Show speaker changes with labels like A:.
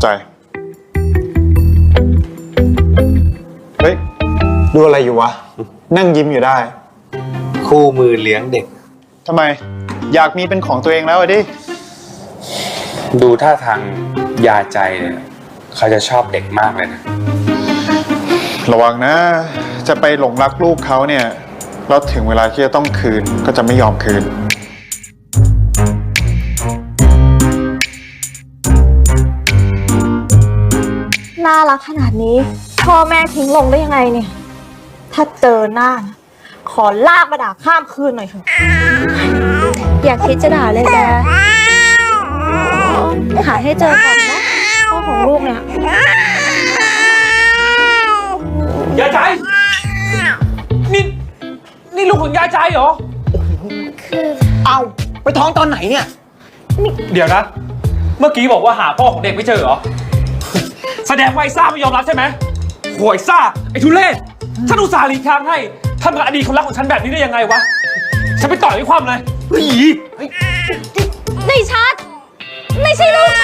A: ใจเฮ้ยดูอะไรอยู่วะนั่งยิ้มอยู่ได้
B: คู่มือเลี้ยงเด็ก
A: ทำไมอยากมีเป็นของตัวเองแล้วดิ
B: ดูท่าทางยาใจเนี่ยเขาจะชอบเด็กมากเลยนะ
A: ระวังนะจะไปหลงรักลูกเขาเนี่ยแล้วถึงเวลาที่จะต้องคืนก็จะไม่ยอมคืน
C: น่ารักขนาดนี้พ่อแม่ทิ้งลงได้ยังไงเนี่ยถ้าเจอหน้านะขอลากมาด่าข้ามคืนหน่อยเถอะอย่าคิดจะด่าเลยแกหาให้เจอก่อนนะพ่อของลูกเนี่ย
D: ยายใจนี่ลูกของยายใจเหรอ
E: เอาไปท้องตอนไหนเนี่ย
D: เดี๋ยวนะเมื่อกี้บอกว่าหาพ่อของเด็กไม่เจอเหรอแสดงว่าไอ้ซ่าไม่ยอมรับใช่ไหมโหยซ่าไอ้ทุเรศฉันอุตส่าห์หลีกทางให้ทำกับอดีตคนรักของฉันแบบนี้ได้ยังไงวะฉันไปต่อยให้ความเลย
C: ในชัดไม่ใช่ลูก